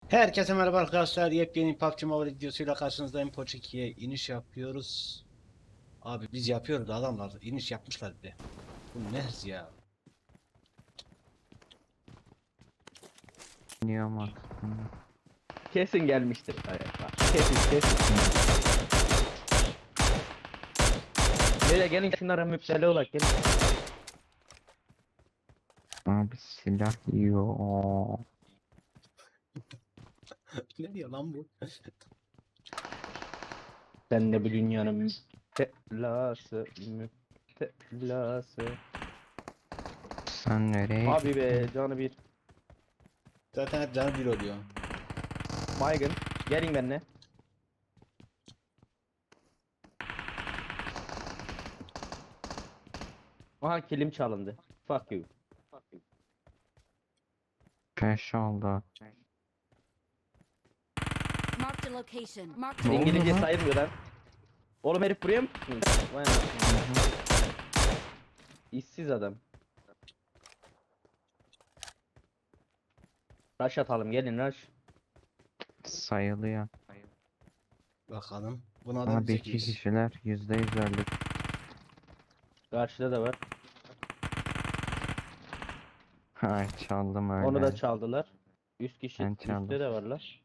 Herkese merhaba arkadaşlar. Yepyeni PUBG Mobile videosuyla karşınızdayım. Poç 2'ye iniş yapıyoruz. Abi biz yapıyoruz, adamlar iniş yapmışlar bile. Bu ne hız ya? Niye aslında? Kesin gelmiştir. Evet, bak. Kesin. Böyle gelin şunlara müptela olak gelin. Abi silah yiyor. Ne diyor lan bu? Sen de bu dünyanın müptelası. Sen nereye Abi be canı bir. Zaten hep canı bir oluyor. Baygın. Gelin benimle. Aha kilim çalındı. Fuck you. Peş oldu? Marked a location. Marked Ne a oldu İngilizce lan? sayılmıyor lan. Oğlum herif buraya mı tutmuş? Vay anasını. İşsiz adam. Rush atalım gelin rush. Sayılıyor. Bakalım. Buna da Abi bir iki çekmiş. kişiler %100 öldük. Karşıda da var. Ay çaldım öyle. Onu da çaldılar. 100 kişi Ben çaldım. üstte de varlar.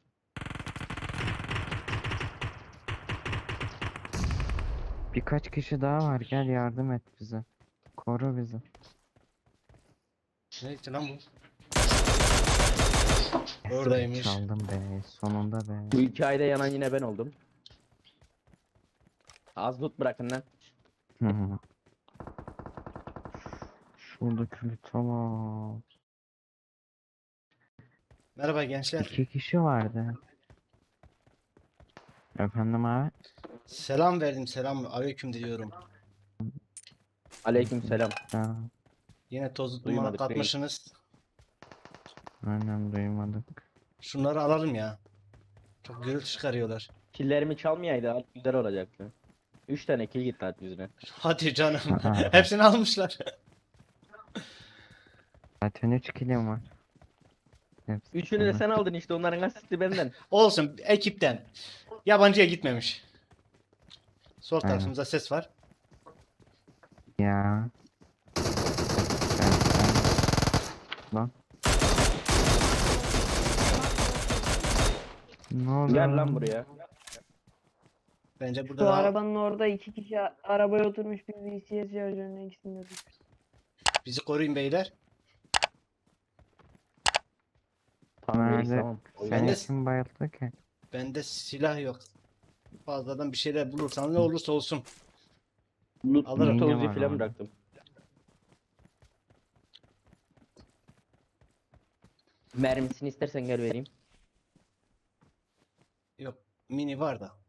Birkaç kişi daha var, gel yardım et bize. Koru bizi. Neyse lan bu? Yes, Oradaymış. Çaldım be, sonunda be. Bu hikayede yanan yine ben oldum. Az loot bırakın lan. Şuradaki tamam. Merhaba gençler. İki kişi vardı. Efendim abi? Selam verdim. Selam aleyküm diyorum. Aleyküm selam. Ya, Yine tozu dumana Duymadık, katmışsınız. aynen duymadık. Şunları alalım ya. Çok gürültü çıkarıyorlar. Killerimi çalmayaydı abi güzel olacaktı. 3 tane kill gitti at yüzüne. Hadi canım. Aa. Hepsini almışlar. Zaten 3 kilim var. Hepsi 3'ünü de sana. sen aldın işte onların asisti benden. Olsun, ekipten. Yabancıya gitmemiş. Sol Aynen. tarafımızda ses var. Ya. Lan. Ne oldu? Gel lan buraya. Bence burada Şu daha arabanın orada iki kişi arabaya oturmuş bir VCS şarjörüne ikisini de düşmüş. bizi koruyun beyler. Tamam Melis Nerede? tamam. Ben Seni de- kim bayılttı ki? Bende silah yok. Fazladan bir şeyler bulursan ne olursa olsun. Loot, Alırım. loot Yine Uzi var falan orada. bıraktım. Mermisini istersen gel vereyim. Yok, mini var da.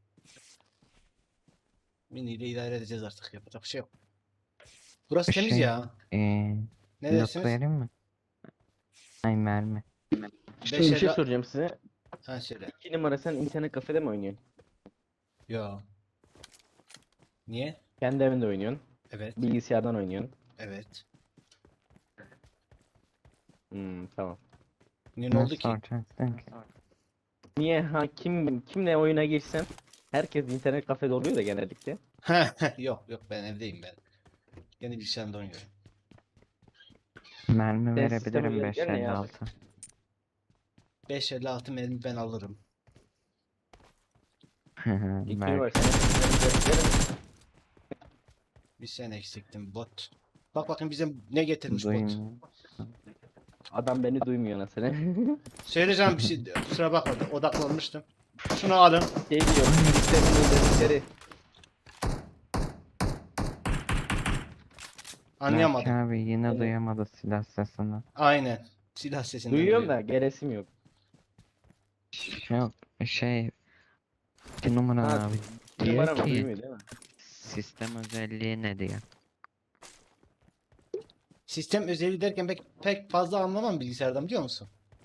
Mini ile idare edeceğiz artık. Yapacak bir şey yok. Burası temiz Şey, ya. Ne Yok dersiniz? vereyim mi? Ay mermi. Şimdi bir şey Beşerli... soracağım size. Ha şöyle. 2 numara sen internet kafede mi oynuyorsun? Yo. Niye? Kendi evinde oynuyorsun. Evet. Bilgisayardan oynuyorsun. Evet. Tamam. Niye ne oldu Nasıl ki? soracaksın ki? Niye kimle oyuna girsen herkes internet kafede oluyor da genellikle. Yok yok, ben evdeyim ben. Yeni bilgisayarımda oynuyorum. Mermi Sen sisteme verebilirim gel ne ya? 556. 556 mermi ben alırım. 2 Belki. numara sen. Bir sen eksiktin bot. Bak bakın bize ne getirmiş bot. Duymuyor. Adam beni duymuyor nasıl? Söyleyeceğim bir şey, kusura bakma, odaklanmıştım. Şunu alın. Şey diyor. Sistemin özellikleri. Anlayamadım. Belki abi yine Evet. duyamadı silah sesini. Aynen. Silah sesinden Duyuyorum duyuyor. da geresim yok. Yok şey, 2 numara Ha, abi Bir diyor numara mı ki duymuyor değil mi? sistem özelliği ne diyor. Sistem özelliği derken pek fazla anlamam bilgisayardan, biliyor musun?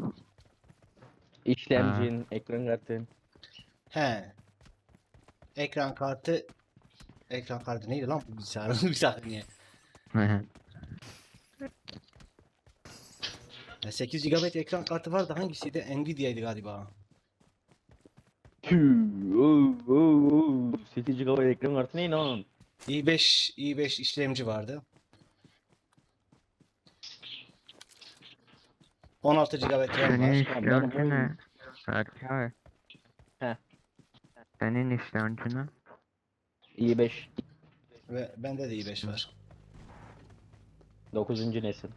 İşlemcin, ekran kartın. He. Ekran kartı. Ekran kartı neydi lan bu bilgisayarın? Bir saniye. 8 GB ekran kartı vardı. Hangisiydi? Nvidia'ydı galiba. Tüh. 8 GB ekran kartı ne lan? i5 işlemci vardı. 16 GB RAM Senin var. işlemci ne? Berkay. Heh. Senin işlemci ne? i5. Ve bende de i5 var. 9. nesil.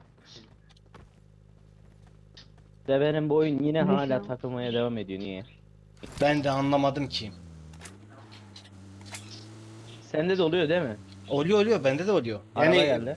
De benim bu oyun yine Ne hala şu? takılmaya devam ediyor. Niye? Ben de anlamadım ki. Sende de oluyor değil mi? Oluyor bende de oluyor. Araba Yani geldi.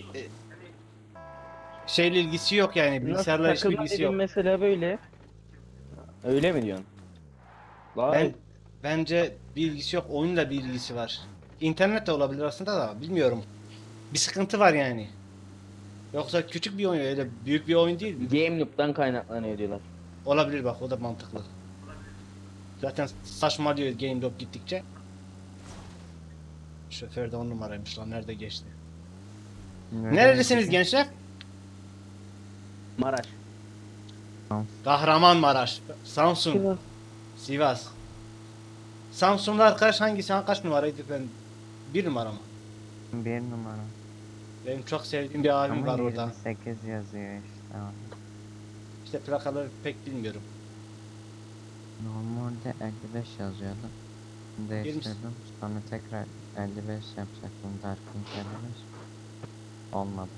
şeyle ilgisi yok yani Nasıl bilgisayarla hiçbir takılma ilgisi dediğin yok. mesela böyle. Öyle mi diyorsun? Vay. Bence bir ilgisi yok, oyunla bir ilgisi var. İnternet de olabilir aslında da bilmiyorum. Bir sıkıntı var yani. Yoksa küçük bir oyun öyle büyük bir oyun değil. Game Loop'tan kaynaklanıyor diyorlar. Olabilir bak o da mantıklı. Zaten saçmalıyor Game Loop gittikçe. Şoför de 10 numaraymış lan nerede geçti. Nerelisiniz gençler? Maraş. Kahramanmaraş, Samsun, Sivas. Sivas. Samsun'da arkadaş hangisi? Kaç numaraydı ben? Bir numara mı? Bir numara. Benim çok sevdiğim bir abim Ama var orada. 28 yazıyor işte abi. İşte plakaları pek bilmiyorum. Normalde 55 yazıyordu. Değiştirdim. Sonra tekrar 55 yapacaktım. Dark'ın 55. Olmadı.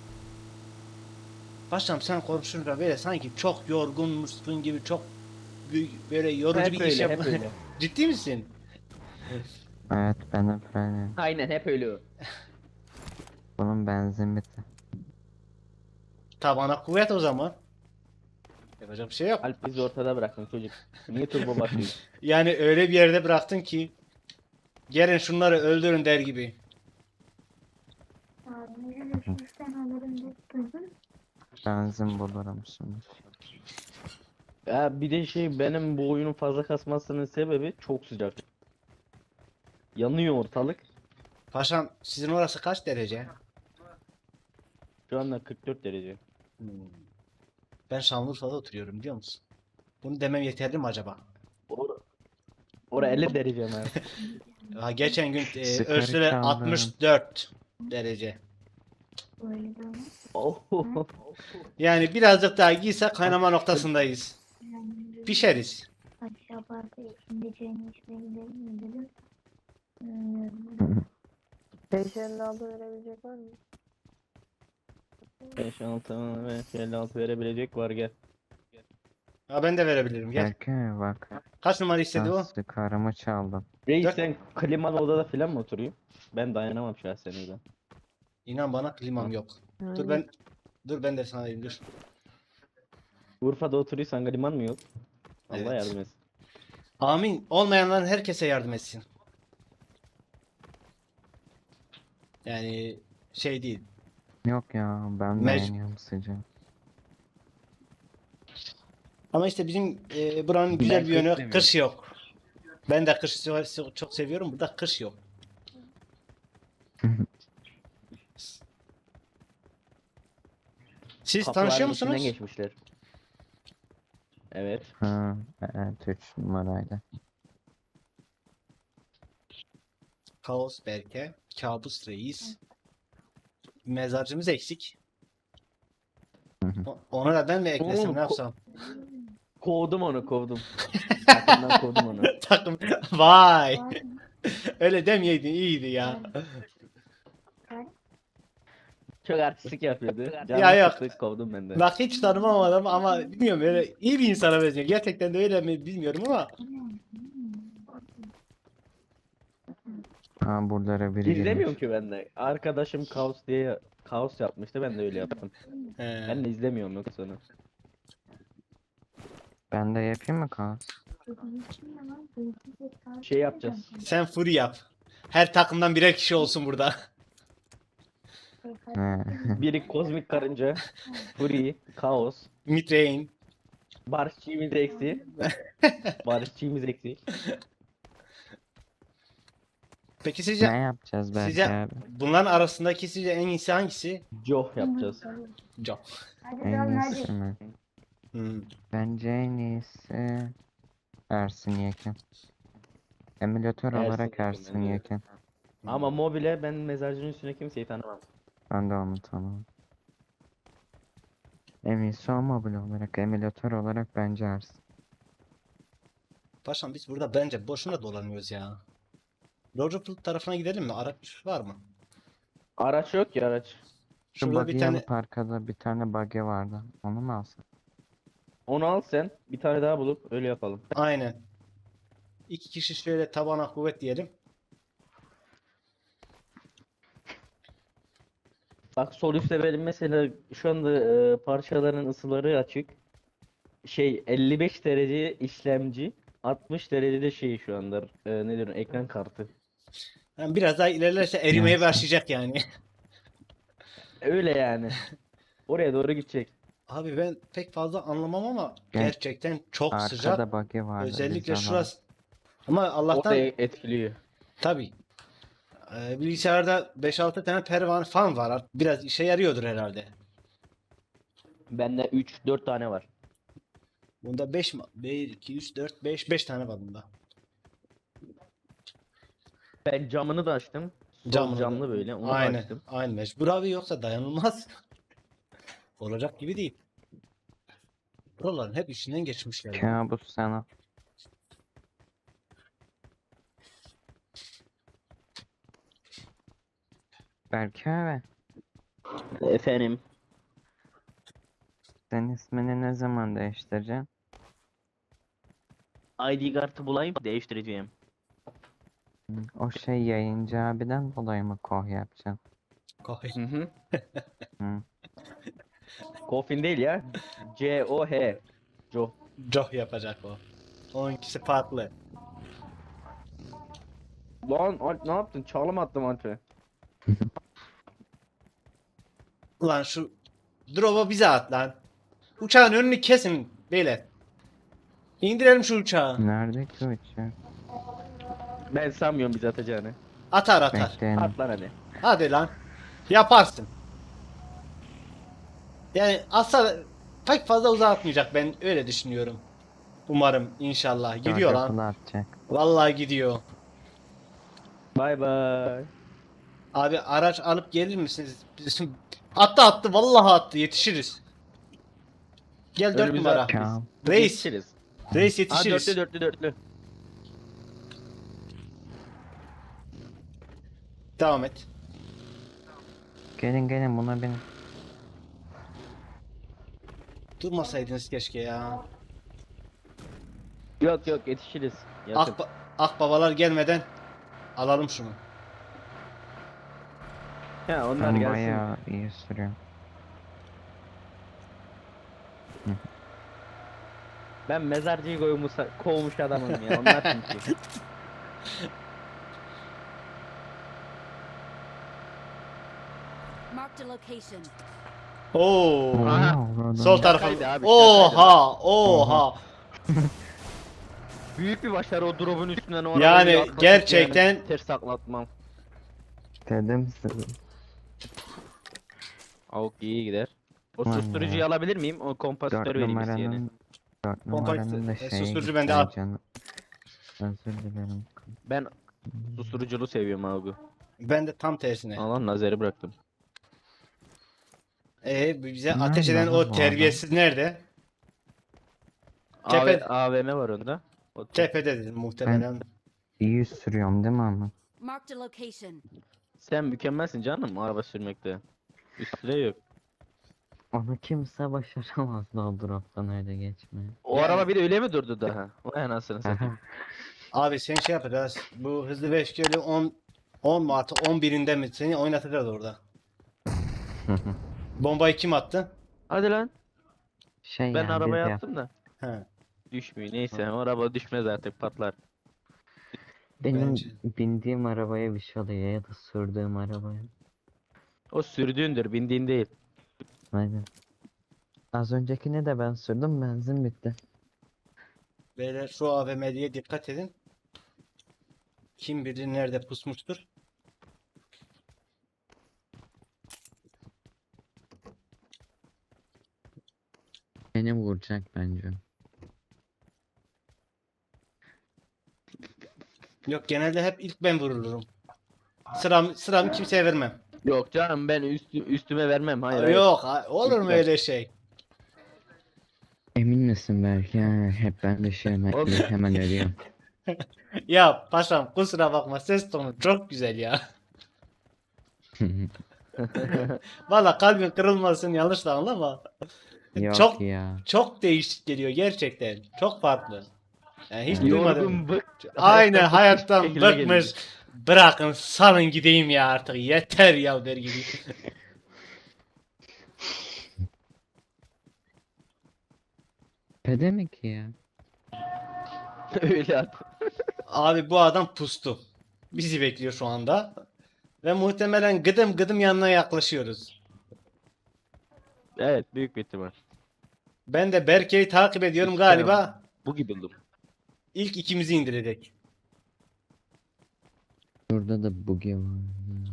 Paşam sen konuşunca böyle sanki çok yorgunmuşsun gibi çok böyle yorucu Hep bir öyle, iş hep yap. öyle. Ciddi misin? Evet benim böyle. Aynen hep öyle o. Bunun benzin bitti. Tabana kuvvet o zaman. Yapacak bir şey yok. Alp bizi ortada bıraktın çocuk. Niye turbo basıyor? Yani öyle bir yerde bıraktın ki gelin şunları öldürün der gibi. Benzin bulurum şimdi. Ya bir de şey benim bu oyunun fazla kasmasının sebebi çok sıcak. Yanıyor ortalık. Paşam sizin orası kaç derece? Şu anda 44 derece. Ben Şanlıurfa'da oturuyorum biliyor musun? Bunu demem yeterli mi acaba? Ora 50 derece mi? Ha, geçen gün Sigara ölçüde çaldım. 64 derece. Oh. Yani birazcık daha giyse kaynama noktasındayız. Pişeriz. Aşağı parkta şimdi çayını içmeye gidelim mi dedim. 556 verebilecek var mı? 5-6 ve 56 verebilecek var gel. Ha, ben de verebilirim gel. Berkay bak. Kaç numara istedi o? Ben sigaramı çaldım. Reis Dört- sen klimalı odada falan mı oturuyorsun? Ben dayanamam şahsen öyle. İnan bana klimam yok. Dur ben de sana diyeyim dur. Urfa'da oturuyorsan kliman mı yok? Allah Evet. yardım etsin. Amin. Olmayanların herkese yardım etsin. Yani şey değil. Yok ya ben Mec- beğeniyorum sıcağı. Ama işte bizim buranın Ben güzel bir kış yönü seviyorum. kış yok. Ben de kış çok seviyorum. Burada kış yok. Siz Kapıların tanışıyor içinden musunuz? geçmişler. Evet. Ha, evet 3 numarayla. Kaos Berke, Kabus Reis. Mezarcımız eksik. Onu da ben mi eklesem Oğlum, ne yapsam? Kovdum onu kovdum. Takımdan kovdum onu. Takım. Vay. Öyle demeyeydin iyiydi ya. Çok artistik yapıyordu. Ya Canım yok. sıktı, kovdum ben de. Bak hiç tanımam adamı ama bilmiyorum öyle iyi bir insana benziyor. Gerçekten de öyle mi bilmiyorum ama Ha buralara biri İzlemiyorum girmiş. ki ben de. Arkadaşım kaos diye kaos yapmıştı ben de öyle yaptım. Ben de izlemiyorum yoksa onu. Ben de yapayım mı kaos? Şey yapacağız. sen Fury yap. Her takımdan birer kişi olsun burada. He. Biri kozmik karınca, Fury, kaos, Mitrain. barışçıyımız eksi. Barışçıyımız eksi. Peki Ne sizce yapacağız belki size abi? bunların arasındaki sizce en iyisi hangisi? Joh yapacağız. Job. Hadi En tamam iyisi hadi. mi? Hmm. Bence en iyisi Ersin Yekin. Emülatör Ersin olarak Yekin Ersin bence de. Yekin. Ama mobile ben mezarcının üstüne kimseyi tanımam. Ben de onu tanımam. En iyisi o mobil olarak. Emülatör olarak bence Ersin. Paşam biz burada bence boşuna dolanıyoruz ya. Liverpool tarafına gidelim mi? Araç var mı? Araç yok ki araç. Şu Şurada bir buggy'i tane alıp arkada bir tane buggy vardı. Onu mu alsın? Onu al sen. Bir tane daha bulup öyle yapalım. aynen. İki kişi şöyle tabana kuvvet diyelim. Bak sol üstte benim mesela şu anda parçaların ısıları açık. Şey 55 derece işlemci, 60 derecede şey şu anda ne diyorum ekran kartı. Yani biraz daha ilerlerse erimeye Yansın. başlayacak yani. Öyle yani. Oraya doğru gidecek. Abi ben pek fazla anlamam ama Gel. gerçekten çok sıcak. Arkada buggy vardı. Özellikle biz şurası. Ama O da Allah'tan etkiliyor. tabii. Bilgisayarda 5-6 tane pervane fan var. Biraz işe yarıyordur herhalde. Bende 3-4 tane var. Bunda 5 mi? 1, 2, 3, 4, 5 tane var bunda. Ben camını da açtım. Sol Camını da- camlı böyle. Onu da Aynen. açtım. Aynen mecbur abi yoksa dayanılmaz. Olacak gibi değil. Buraların hep içinden geçmişler. ya. Kabus sana. Berke abi. Efendim. Sen ismini ne zaman değiştireceksin? ID kartı bulayım değiştireceğim. O şey yayıncı abiden dolayı mı koh yapacaksın? Kahve. Hı hı. Hı. Coffin değil ya. C-O-H. Jo. Joh yapacak o. Onunkisi farklı. Lan Alp ne yaptın? Çalım attım Alp'e. Ulan şu drop'u bize at lan. Uçağın önünü kesin beyler. İndirelim şu uçağı. Nerede ki uçak? Ben sanmıyorum bizi atacağını. Atar atar. Bekleyelim. At lan hadi. Hadi lan. Yaparsın. Yani asla pek fazla uzatmayacak ben öyle düşünüyorum. Umarım inşallah. Gidiyor lan. Dörde atacak. Vallahi gidiyor. Bay bay. Abi araç alıp gelir misiniz? Bizim... Attı vallahi attı yetişiriz. Gel 4 Önümüze numara. at. Tamam. Reis. Yetişiriz. Reis Ha yetişiriz. dörtlü. Devam et. Gelin buna bin. Durmasaydınız keşke ya. Yok yetişiriz. Yakın. Akbabalar gelmeden alalım şunu. Ha onlar Ben gelsin. bayağı iyi sürüyorum. Ben mezarcıyı kovmuş adamım ya. Onlar çünkü. Marked a location. Oo. Aha. Sol tarafa. Şakaydı abi, Oha. Büyük bir başarı o drop'un üstünden o Yani arabayı atlatıp gerçekten- yani ters taklatmam. Dedim size. Avuk iyi gider. O Vay susturucuyu ya. alabilir miyim? O 4 kompasitör vereyim isteyene. numaranın 4 Kompakt- numaranın da şeyi susturucu gitti bende, al. canım. Özür dilerim. Ben susturuculu seviyorum Avuk'u. Ben de tam tersine. Allah nazeri bıraktım. Bize Nerede ateş eden lan bu o adam? terbiyesiz nerede? Tepe- AVM var onda. O Tepede dedim muhtemelen. İyi sürüyorum değil mi ama? Marked a location. Sen mükemmelsin canım araba sürmekte. Üstüne yok. Onu kimse başaramazdı o drop'tan öyle geçmeye. O Yani- araba bir de öyle mi durdu daha? Vay anasını satayım. Abi sen şey yapacağız. Bu hızlı ve öfkeli 10 mu attı 11'inde mi seni oynatacağız orada. Bombayı kim attı? Hadi lan. Şey Ben yani arabaya biz attım da. He. Düşmüyor. Neyse o araba düşmez artık patlar. benim Bence. bindiğim arabaya bir şey oluyor ya da sürdüğüm arabaya. O sürdüğündür bindiğin değil. Aynen. Az öncekini de ben sürdüm benzin bitti. Beyler şu AVM'ye dikkat edin. Kim bilir nerede pusmuştur. Beni vuracak bence. Yok, genelde hep ilk ben vurulurum. Sıramı kimseye vermem. Yok canım, ben üstüme vermem. Hayır, hayır. Yok, olur mu İlk ben. öyle şey? Emin misin belki? Ya, hep ben de şey Oğlum. hemen ölüyorum. Ya paşam, kusura bakma, ses tonu çok güzel ya. Valla kalbin kırılmasın, yanlış da anlama. Yok Çok ya. çok değişik geliyor gerçekten. Çok farklı. Yani hiç duymadım. Yorgun, bık. Aynen, bıkmış hayattan şekilde bıkmış. geliyor. Bırakın, salın gideyim ya artık. Yeter ya der gibi. Pede mi ki ya? Öyle at. Abi bu adam pustu. Bizi bekliyor şu anda. Ve muhtemelen gıdım gıdım yanına yaklaşıyoruz. Evet, büyük bir ihtimal. Ben de Berke'yi takip ediyorum galiba. Bu gibi buldum. İlk ikimizi indirecek. Burada da bugi var.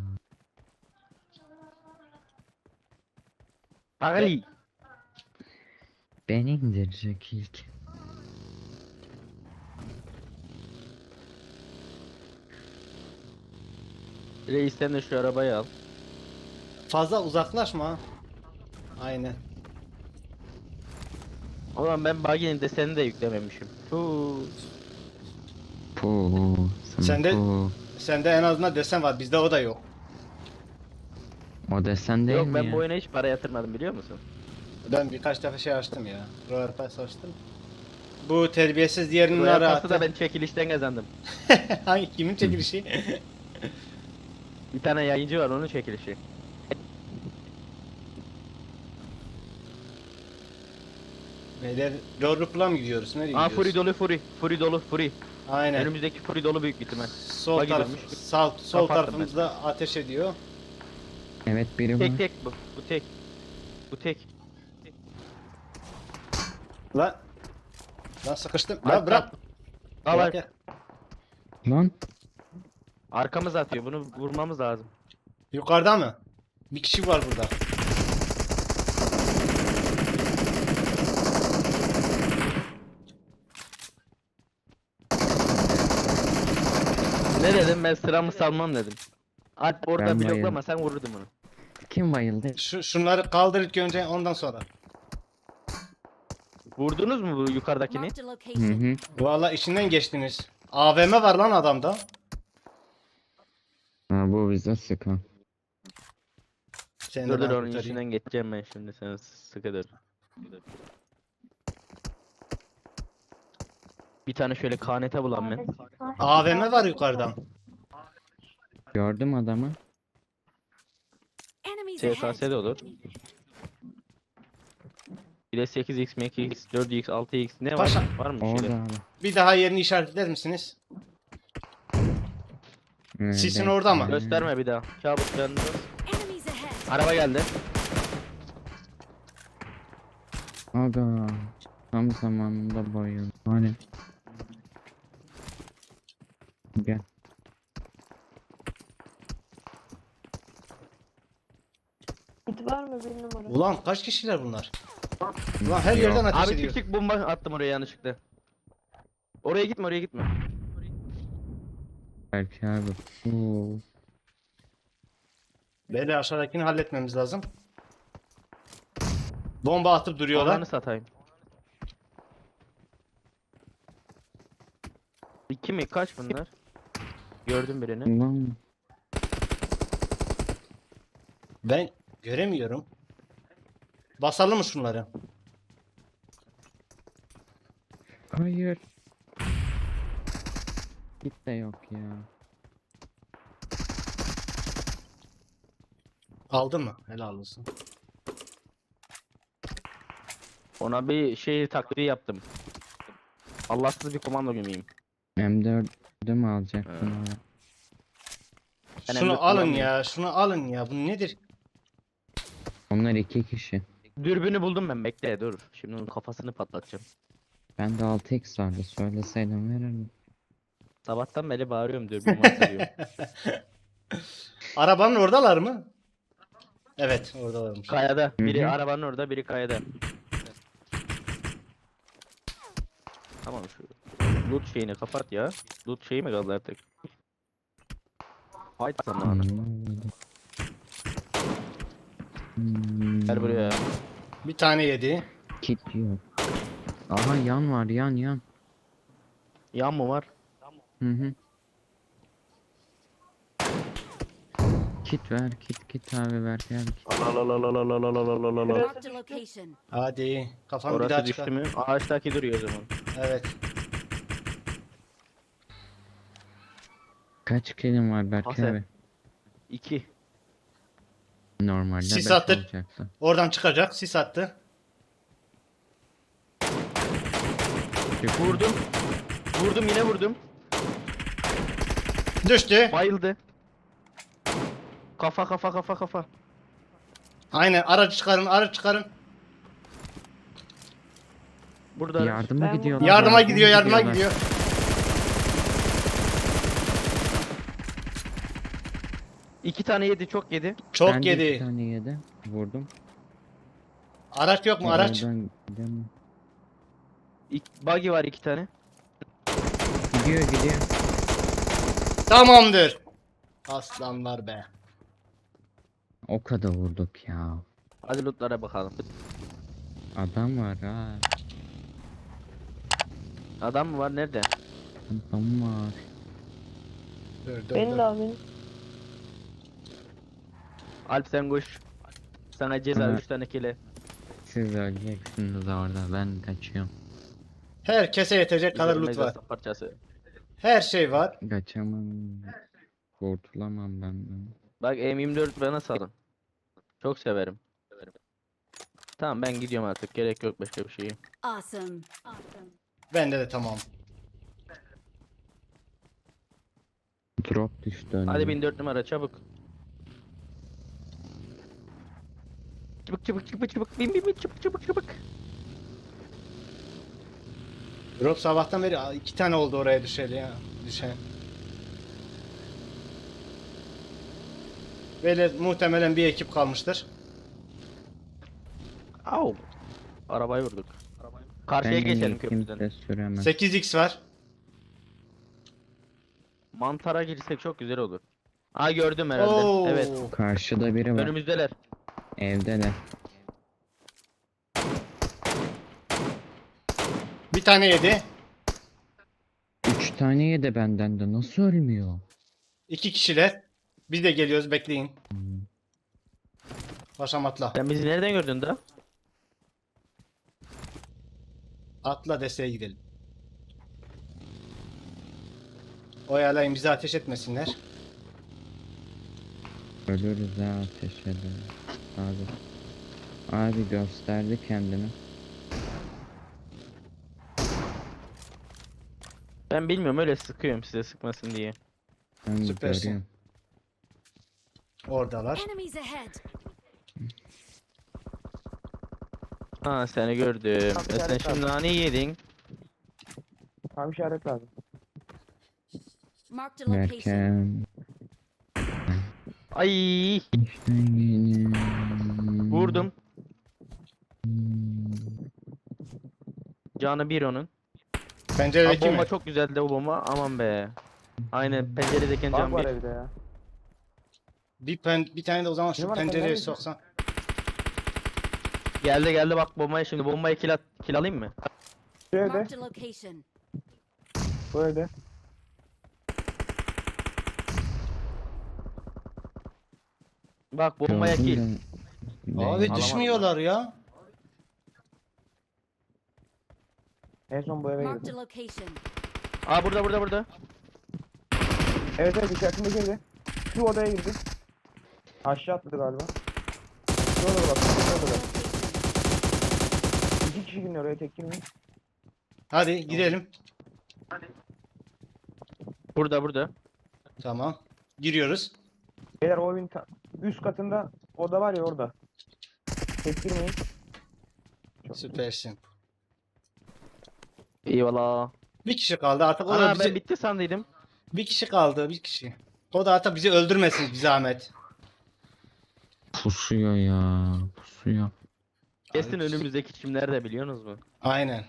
Paris. Beni indirecek ilk. Reis, sen de şu arabayı al. Fazla uzaklaşma. Aynen. Ulan ben buggy'nin desenini de yüklememişim. Huu. Puu. Sende- Puu. Sende en azından desen var. Bizde o da yok. O desen değil Yok, mi ben ya? bu oyuna hiç para yatırmadım, biliyor musun? Ben birkaç defa şey açtım ya. Royal Pass açtım. Bu terbiyesiz diğerinin Royal ara Pass'ı da attı. ben çekilişten kazandım. Hangi kimin çekilişi? Bir tane yayıncı var, onun çekilişi. Beyler, Lordrup'la mı gidiyoruz? Nereye Aa, gidiyoruz? Fury dolu, Fury. Fury dolu, Fury. Aynen. Önümüzdeki Fury dolu büyük bir ihtimal. Sol Buggy taraf, dönmüş. sol Kapattım tarafımızda ateş ediyor. Evet biri var. Tek tek bu. Bu tek. Bu tek. Lan. Lan sıkıştım. Bak, Lan bırak. Al, Bırak al. ya. Lan. Arkamız atıyor. Bunu vurmamız lazım. Yukarıda mı? Bir kişi var burada. Ne dedim, ben sıramı salmam dedim. Alp orada Ben bloklama, bayıldım. sen vururdun bunu. Kim bayıldı? Şunları kaldır ilk önce, ondan sonra. Vurdunuz mu bu yukarıdakini? Marked a Hı location. hı. Valla işinden geçtiniz. AVM var lan adamda. Ha, bu bize sıkan. Seni Dur de dur, ben onun kurtarayım. içinden geçeceğim ben şimdi, sen sıkı dur. Bir tane şöyle KNT bulan ben. AVM var yukarıdan. Gördüm adamı. Enemies SKS ahead. de olur. Bir de 8x, 2x, 4x, 6x ne var? Paşa. Var mı bir Orada şeyler? abi. Bir daha yerini işaretler misiniz? Sisin orada mı? Gösterme bir daha. Kabus yanında. Enemies ahead. Araba geldi. Aga. Tam zamanında bayıldı. Hani. Gel. Bit var mı bir numara? Ulan kaç kişiler bunlar? Ulan her yerden ateş Abi ediyor. küçük bomba attım oraya yanlışlıkla. Oraya gitme, oraya gitme. Belki abi. Oo. Böyle aşağıdakini halletmemiz lazım. Bomba atıp duruyorlar. Ananı satayım. İki mi? Kaç bunlar? Gördüm birini. Lan. Ben göremiyorum. Basalım mı şunları? Hayır. Git de yok ya. Aldın mı? Helal olsun. Ona bir şey taklidi yaptım. Allahsız bir komando gömeyim. M4'ü mü alacaktın Ha. oraya? Ben Şunu M4 alın kullanmıyorum. ya, şunu alın ya. Bu nedir? Onlar iki kişi. Dürbünü buldum ben, bekle dur. Şimdi onun kafasını patlatacağım. Bende 6x vardı. Söyleseydim verirdim. Sabahtan beri bağırıyorum diyor. Bir varsa diyor. Arabanın oradalar mı? Evet, oradalarmış. Kayada. Biri Hı hı. arabanın orada, biri kayada. Tamam şu loot şeyini kapat ya. Loot şeyi mi kaldı artık? Haydi zamanı. Gel buraya. Bir tane yedi. Kit yok. Aha yan var yan. Yan mı var? Hı hı. Kit ver kit abi ver gel. Marked a location. Hadi. Kafam bir daha Orası düştü çıkar. mü? Ağaçtaki duruyor o zaman. Evet. Kaç kilim var Berk Hasan. abi? 2. Normalde Sis 5 attık. olacaktı. Oradan çıkacak. Sis attı. Vurdum. Vurdum yine vurdum. Düştü. Bayıldı. Kafa. Aynen. Aracı çıkarın. Aracı çıkarın. Burada. Yardıma Ben gidiyorlar. Yardıma gidiyor. Yardıma gidiyorlar. gidiyor. İki tane yedi, çok yedi. Çok Ben de iki yedi. tane yedi. Vurdum. Araç yok mu? Araç. Oradan gidemem. Buggy var 2 tane. Gidiyor. Tamamdır. Aslanlar be. O kadar vurduk ya. Hadi lootlara bakalım. Adam var ha. Adam mı var nerede? Adam var. Dur, Beni dur. de al beni. Alp sen koş. Sana ceza Aha. 3 tane kile. Siz öleceksiniz orada ben kaçıyorum. Herkese yetecek kadar loot var. Mezarsa parçası. Her şey var. Kaçamam. Kurtulamam benden. Bak M24 bana salın. Çok severim. Tamam ben gidiyorum artık. Gerek yok başka bir şeye. Awesome. Bende de tamam. Drop düştü önüme. Hadi 1004 numara çabuk. Çabuk. Bin çabuk. Drop sabahtan beri 2 tane oldu oraya düşeli ya. Düşen. Böyle muhtemelen bir ekip kalmıştır. Au. Arabayı vurduk. Karşıya geçelim köprüden. Kimse süremez. 8x var. Mantara girsek çok güzel olur. Aa gördüm herhalde. Oo. Evet. Karşıda biri var. Önümüzdeler. Evde de. Bir tane yedi. 3 tane yedi benden de nasıl ölmüyor? 2 kişiler. Biz de geliyoruz, bekleyin. Paşam atla. Sen bizi nereden gördün da? Atla desteğe gidelim. Oyalayın, bizi ateş etmesinler. Ölürüz ha ateş eder. Abi gösterdi kendini. Ben bilmiyorum, öyle sıkıyorum size sıkmasın diye. Ben Süpersin. görüyorum. Oradalar. Enemies ahead. Ha seni gördüm. Sen şimdi nane yedin. Tam işaret lazım. Marked a location. Derken Ay işte yine vurdum. Canı bir onun. Ha, Penceredeki bomba mi? çok güzeldi o bomba, aman be. Aynen penceredeki can bir. evde ya. Bir tane de o zaman şu Ne var, pencereye pencerede? soksan. Geldi bak bombaya şimdi. Bombayı kill alayım mı? Şu Marked a location. Bu evde. Bak bombaya gördüm kill. de- Abi Alamadım düşmüyorlar ya. En son bu eve Marked girdi. a location. Aa burada. Evet içerisinde girdi. Şu odaya girdi. Aşağı atladı galiba. Şu odada bak. Şu odada. İki kişi gidiyor oraya, tek girmeyin. Hadi gidelim. Burada. Tamam. Giriyoruz. Beyler o evin üst katında oda var ya, orada. Tek girmeyin. Süpersin. Eyvallah. Bir kişi kaldı artık. O da Ana bizi... ben bitti sandıydım. Bir kişi kaldı, bir kişi. O da hatta bizi öldürmesin bir zahmet. Pusuyor ya. Pusuyor. Kesin Abi, önümüzdeki kim nerede biliyorsunuz mu? aynen.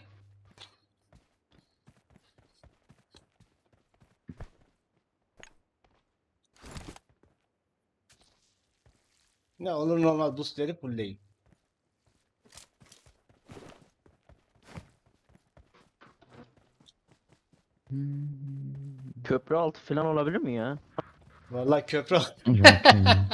Ne olur normal boostleri fullleyin. Köprü altı falan olabilir mi ya? Vallahi köprü Yok ya.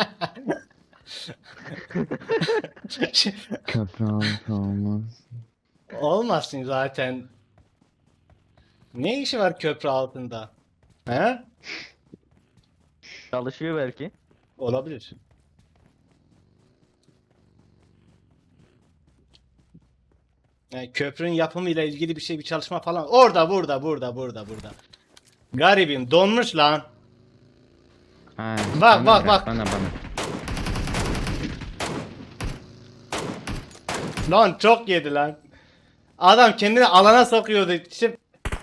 Köprü altı olmaz. olmasın zaten. Ne işi var köprü altında? He? Çalışıyor belki. Olabilir. Yani köprünün yapımıyla ilgili bir şey, bir çalışma falan. Orada, burada. Garibim donmuş lan. Ha, Bak, bana bak. bırak, bana. Lan çok yedi lan. Adam kendini alana sokuyordu. İşte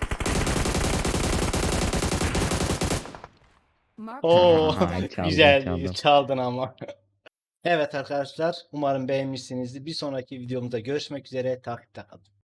Mark Oo, Ay, çaldım, güzel çaldım. çaldın ama. Evet arkadaşlar, umarım beğenmişsinizdir. Bir sonraki videomuzda görüşmek üzere. Takipte kalın.